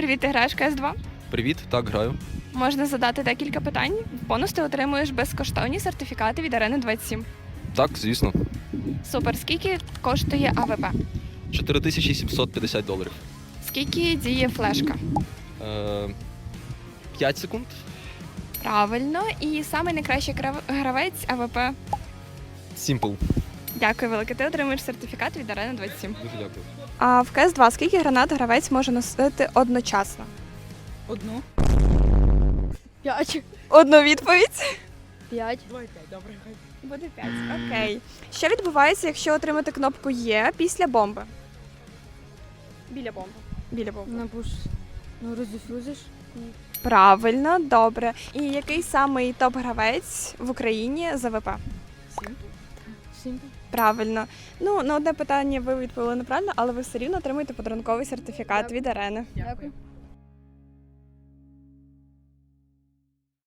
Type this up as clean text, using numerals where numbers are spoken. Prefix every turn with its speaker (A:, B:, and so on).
A: Привіт, ти граєш в CS2?
B: Привіт, так, граю.
A: Можна задати декілька питань. В бонус ти отримуєш безкоштовні сертифікати від Арени 27.
B: Так, звісно.
A: Супер. Скільки коштує АВП?
B: $4750.
A: Скільки діє флешка?
B: 5 секунд.
A: Правильно. І самий найкращий гравець АВП.
B: Simple.
A: Дякую велике. Ти отримуєш сертифікат від Арени 27.
B: Дуже дякую.
A: А в CS2 скільки гранат гравець може носити одночасно?
C: Одну. 5.
A: Одну відповідь.
C: 5.
A: Буде 5. Окей. Що відбувається, якщо отримати кнопку Є після бомби? Біля бомби. Біля бомби.
C: Напуш. Ну, роздефюзиш.
A: Правильно, добре. І який самий топ-гравець в Україні з АВП?
C: Сімпл.
A: Правильно. Ну, на одне питання ви відповіли неправильно, але ви все рівно отримуєте подарунковий сертифікат
C: Дякую.
A: від Арени.
C: Дякую.